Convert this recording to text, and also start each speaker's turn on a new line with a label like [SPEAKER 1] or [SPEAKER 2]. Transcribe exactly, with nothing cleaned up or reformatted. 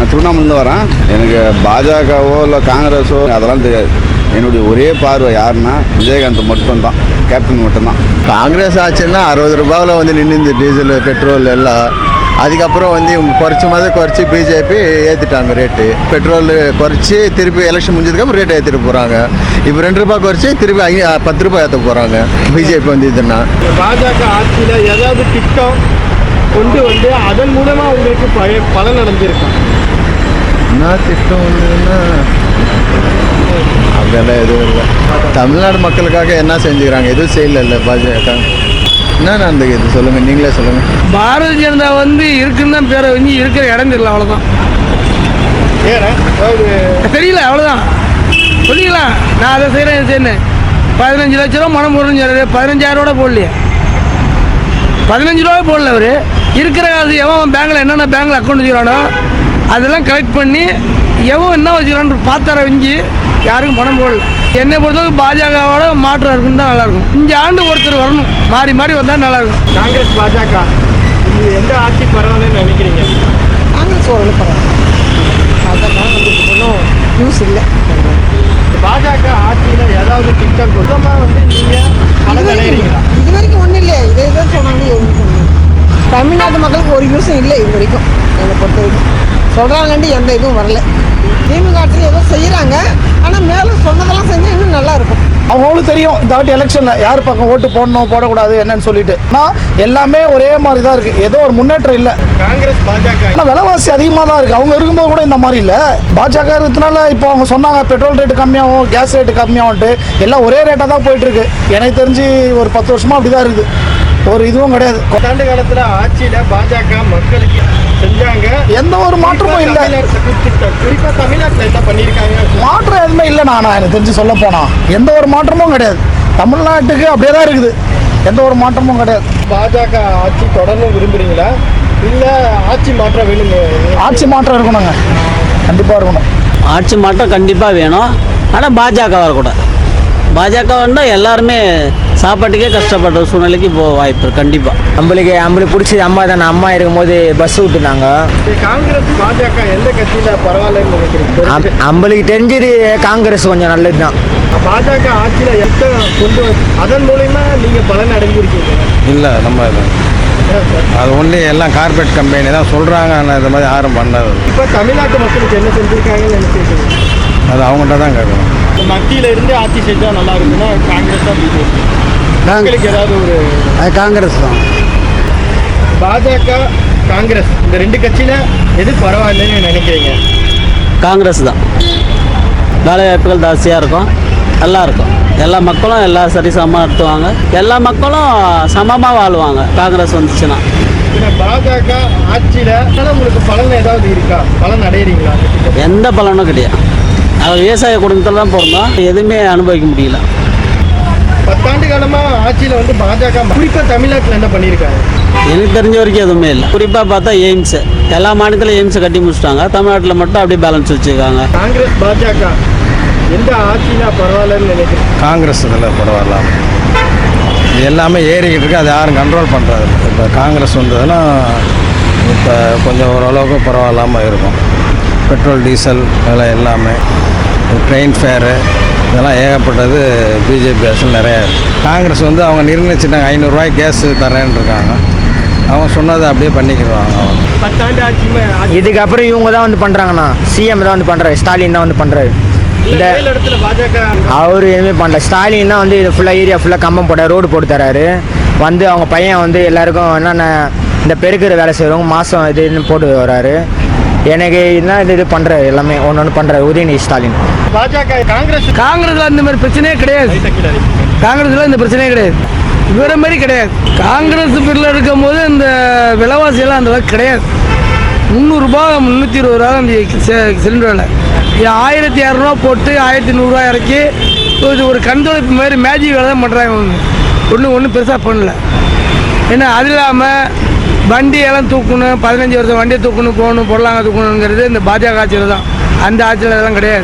[SPEAKER 1] நான் திருவண்ணாமலேருந்து வரேன். எனக்கு பாஜகவோ இல்லை காங்கிரஸோ அதெல்லாம் தெரியாது. என்னுடைய ஒரே பார்வை யாருன்னா விஜயகாந்த் மட்டும்தான், கேப்டன் மட்டும்தான்.
[SPEAKER 2] காங்கிரஸ் ஆச்சுன்னா அறுபது ரூபாவில் வந்து நின்று டீசல் பெட்ரோல் எல்லாம். அதுக்கப்புறம் வந்து இவங்க குறைச்ச மாதிரி குறைச்சி பிஜேபி ஏற்றிட்டாங்க ரேட்டு. பெட்ரோல் குறைச்சி திருப்பி எலெக்ஷன் முடிஞ்சதுக்கப்புறம் ரேட் ஏற்றிட்டு போகிறாங்க. இப்போ ரெண்டு ரூபாய் குறைச்சி திருப்பி ஐ பத்து ரூபாய் ஏற்ற போகிறாங்க பிஜேபி வந்து இதுன்னா.
[SPEAKER 3] பாஜக ஆட்சியில் ஏதாவது திட்டம் கொண்டு வந்து அதன் மூலமாக உங்களுக்கு பழைய பலன் அடைஞ்சிருக்கும்.
[SPEAKER 2] என்ன திட்டம் வந்துன்னா அப்படியெல்லாம் எதுவும் இல்லை. தமிழ்நாடு மக்களுக்காக என்ன செஞ்சுக்கிறாங்க? எதுவும் செய்யல பாஜக. என்ன நடந்துக்குது சொல்லுங்கள், நீங்களே சொல்லுங்கள்.
[SPEAKER 4] பாரதிய ஜனதா வந்து இருக்குன்னு தான் பேரை வந்து இருக்கிற இடம் தெரியல, அவ்வளோதான். தெரியல, அவ்வளோதான். சொல்லிக்கலாம் நான் அதை செய்கிறேன் இதை செய்யணும். பதினஞ்சு லட்ச ரூபா மனம் போடுறது, பதினஞ்சாயிரம் ரூபா போடலையே, பதினஞ்சு ரூபாய் போடல. அவர் இருக்கிற காசு எவன் பேங்கில் என்னென்ன பேங்கில் அக்கௌண்ட் வச்சுக்கிறானோ அதெல்லாம் கலெக்ட் பண்ணி எவன் என்ன வச்சுக்கிறான்னு பார்த்தார வஞ்சி யாருக்கும் பணம் போடல. என்னை பொறுத்தவரைக்கும் பாஜகவோட மாற்றம் இருக்குன்னு தான் நல்லாயிருக்கும். இந்த ஆண்டு ஒருத்தர் வரணும், மாறி மாறி வந்தால் நல்லாயிருக்கும்.
[SPEAKER 3] காங்கிரஸ் பாஜக இது எந்த ஆட்சி பரவாயில்லன்னு நினைக்கிறீங்க?
[SPEAKER 5] காங்கிரஸ் ஓரளவு பரவாயில்ல. பாஜக நம்மளுக்கு ஒன்றும் யூஸ் இல்லை.
[SPEAKER 3] பாஜக ஆட்சியில் ஏதாவது திட்டம் சுத்தமாக வந்து நீங்கள் பலன் அடைகிறீங்களா?
[SPEAKER 5] இது வரைக்கும் ஒன்றும் இல்லை. இதே தான் சொன்னாங்க. எதுவும் தமிழ்நாட்டு மக்களுக்கு ஒரு யூஸும் இல்லை இது வரைக்கும். என்னை பொறுத்த வரைக்கும் சொல்கிறாங்கன்ட்டு எந்த இதுவும் வரல. திமுக ஆட்சியில் ஏதோ செய்கிறாங்க, ஆனால் மேலே சொன்னதெல்லாம் செஞ்சால் இன்னும் நல்லா இருக்கும்.
[SPEAKER 6] அவங்களும் தெரியும் இந்த வாட்டி எலெக்ஷனில் யார் பக்கம் ஓட்டு போடணும் போடக்கூடாது என்னன்னு சொல்லிட்டு. ஆனால் எல்லாமே ஒரே மாதிரி தான் இருக்குது, ஏதோ ஒரு முன்னேற்றம் இல்லை.
[SPEAKER 3] காங்கிரஸ் பாஜக
[SPEAKER 6] ஆனால் விலைவாசி அதிகமாக தான் இருக்குது. அவங்க இருக்கும்போது கூட இந்த மாதிரி இல்லை. பாஜக இருக்கிறதுனால இப்போ அவங்க சொன்னாங்க பெட்ரோல் ரேட்டு கம்மியாகும், கேஸ் ரேட்டு கம்மியாகும்ட்டு. எல்லாம் ஒரே ரேட்டாக தான் போயிட்டுருக்கு. எனக்கு தெரிஞ்சு ஒரு பத்து வருஷமாக அப்படி தான் இருக்குது. ஒரு இதுவும் கிடையாது.
[SPEAKER 3] பத்தாண்டு காலத்தில் ஆட்சியில் பாஜக மக்களுக்கு செஞ்சாங்க,
[SPEAKER 6] எந்த ஒரு மாற்றமும் இல்லை.
[SPEAKER 3] குறிப்பாக தமிழ்நாட்டில் என்ன பண்ணியிருக்காங்க?
[SPEAKER 6] மாற்றம் எதுவுமே இல்லை. நானா எனக்கு தெரிஞ்சு சொல்ல போனா எந்த ஒரு மாற்றமும் கிடையாது. தமிழ்நாட்டுக்கு அப்படியே தான் இருக்குது, எந்த ஒரு மாற்றமும் கிடையாது.
[SPEAKER 3] பாஜக ஆட்சி தொடர்ந்து விரும்புறீங்களா இல்லை ஆட்சி மாற்றம் வேணுங்க?
[SPEAKER 6] ஆட்சி மாற்றம் இருக்கணுங்க, கண்டிப்பாக இருக்கணும்.
[SPEAKER 7] ஆட்சி மாற்றம் கண்டிப்பாக வேணும். ஆனால் பாஜக வரக்கூடாது. பாஜக வந்தால் எல்லாருமே சாப்பாட்டுக்கே கஷ்டப்படுற சூழ்நிலைக்கு போக வாய்ப்பு இருக்குது கண்டிப்பாக.
[SPEAKER 8] நம்மளுக்கு நம்மளுக்கு பிடிச்சது அம்மா தானே. அம்மா இருக்கும்போது பஸ் விட்டுனாங்க.
[SPEAKER 3] காங்கிரஸ் பாஜக எந்த கட்சியில் பரவாயில்லன்னு நினைக்கிறீங்க?
[SPEAKER 8] நம்மளுக்கு தெரிஞ்சது காங்கிரஸ் கொஞ்சம் நல்லது தான்.
[SPEAKER 3] பாஜக ஆட்சியில் எந்த கொண்டு அதன் மூலயமா நீங்கள் பலன் அடைஞ்சிருக்கீங்க?
[SPEAKER 1] இல்லை, நம்ம அது ஒன்லி எல்லாம் கார்பரேட் கம்பெனி தான் சொல்கிறாங்க. ஆனால் இந்த மாதிரி யாரும் பண்ணாது.
[SPEAKER 3] இப்போ தமிழ்நாட்டு மக்களுக்கு என்ன செஞ்சுருக்காங்கன்னு நினைச்சிருக்கீங்க?
[SPEAKER 1] அது அவங்கள்ட்ட தான் கேட்கணும்.
[SPEAKER 3] மத்தியில் இருந்து ஆட்சி செஞ்சால் நல்லா இருக்குன்னா காங்கிரஸ் தான் பிஜேபி மக்களுக்கு ஏதாவது ஒரு
[SPEAKER 6] காங்கிரஸ் தான்.
[SPEAKER 3] பாஜக காங்கிரஸ் இந்த ரெண்டு கட்சியில் எது பரவாயில்லைன்னு நினைக்கிறீங்க?
[SPEAKER 7] காங்கிரஸ் தான். வேலை வாய்ப்புகள் ஜாஸ்தியாக இருக்கும், நல்லா இருக்கும். எல்லா மக்களும் எல்லா சரிசமமாக நடத்துவாங்க, எல்லா மக்களும் சமமாக வாழ்வாங்க காங்கிரஸ் வந்துச்சுன்னா.
[SPEAKER 3] பாஜக ஆட்சியில் உங்களுக்கு பலன் ஏதாவது இருக்கா? பலன் அடையிறீங்களா?
[SPEAKER 7] எந்த பலனும் கிடையாது. அவர் விவசாய குடும்பத்தில் தான் பிறந்தோம், எதுவுமே அனுபவிக்க முடியல.
[SPEAKER 3] பத்தாண்டு காலமாக ஆட்சியில் வந்து பாஜக குறிப்பாக தமிழ்நாட்டில் என்ன பண்ணியிருக்காங்க?
[SPEAKER 7] எனக்கு தெரிஞ்ச வரைக்கும் எதுவுமே இல்லை. குறிப்பாக பார்த்தா எய்ம்ஸு, எல்லா மாநிலத்திலும் எய்ம்ஸை கட்டி முடிச்சிட்டாங்க. தமிழ்நாட்டில் மட்டும் அப்படியே பேலன்ஸ் வச்சுருக்காங்க.
[SPEAKER 3] காங்கிரஸ் பாஜக எந்த ஆட்சினா பரவாயில்லன்னு நினைக்கிறேன்?
[SPEAKER 1] காங்கிரஸ் இதில் பரவாயில்ல. இது எல்லாமே ஏறிக்கிட்டு இருக்கு, அதை யாரும் கண்ட்ரோல் பண்ணுறது. இப்போ காங்கிரஸ் வந்ததுன்னா இப்போ கொஞ்சம் ஓரளவுக்கு பரவாயில்லாமல் இருக்கும். பெட்ரோல் டீசல் இதெல்லாம் எல்லாமே, ட்ரெயின் ஃபேரு இதெல்லாம் ஏகப்பட்டது பிஜேபி அரசில் நிறையா இருக்குது. காங்கிரஸ் வந்து அவங்க நிர்ணயிச்சிட்டாங்க ஐநூறுரூவாய்க்கு கேஸ் தரேன்னு இருக்காங்க. அவங்க சொன்னதை அப்படியே பண்ணிக்கிடுவாங்க. அவங்க
[SPEAKER 3] பத்தாண்டு ஆட்சியுமே
[SPEAKER 8] இதுக்கப்புறம் இவங்க தான் வந்து பண்ணுறாங்கண்ணா. சிஎம் தான் வந்து பண்ணுறாரு, ஸ்டாலின் தான் வந்து பண்ணுறாரு. இந்த
[SPEAKER 3] இடத்துல பாஜக
[SPEAKER 8] அவர் எதுவுமே பண்ணல. ஸ்டாலின் தான் வந்து இது ஃபுல்லாக ஏரியா ஃபுல்லாக கம்பம் போட ரோடு போட்டு தராரு. வந்து அவங்க பையன் வந்து எல்லாருக்கும் என்னென்ன இந்த பெருக்கிற வேலை செய்கிறவங்க மாதம் இதுன்னு போட்டு வர்றாரு. எனக்கு இதுதான் இது இது பண்ணுறாரு, எல்லாமே ஒன்று ஒன்று பண்ணுறாரு உதயநிதி ஸ்டாலின்.
[SPEAKER 3] பாஜக காங்கிரஸ்
[SPEAKER 4] காங்கிரஸில் இந்த மாதிரி பிரச்சனையே கிடையாது. காங்கிரஸில் இந்த பிரச்சனையே கிடையாது, இவர மாதிரி கிடையாது. காங்கிரஸ் பேரில் இருக்கும் போது இந்த விலைவாசியெல்லாம் அந்த அளவுக்கு கிடையாது. முந்நூறுரூபா முந்நூற்றி இருபது ரூபா அந்த சிலிண்டர் விலை. ஆயிரத்தி இரநூறுவா போட்டு ஆயிரத்தி நூறுரூவா இறக்கி ஒரு கண்தொழிப்பு மாதிரி மேஜிக் வேலை தான் பண்ணுறாங்க. ஒன்றும் ஒன்றும் பெருசாக பண்ணல. ஏன்னா அது இல்லாமல் வண்டியெல்லாம் தூக்கணும், பதினஞ்சு வருஷம் வண்டியை தூக்கணும், போகணும், பொருளாங்க தூக்கணுங்கிறது இந்த பாஜக ஆட்சியில் தான். அந்த ஆட்சியில் அதெல்லாம் கிடையாது.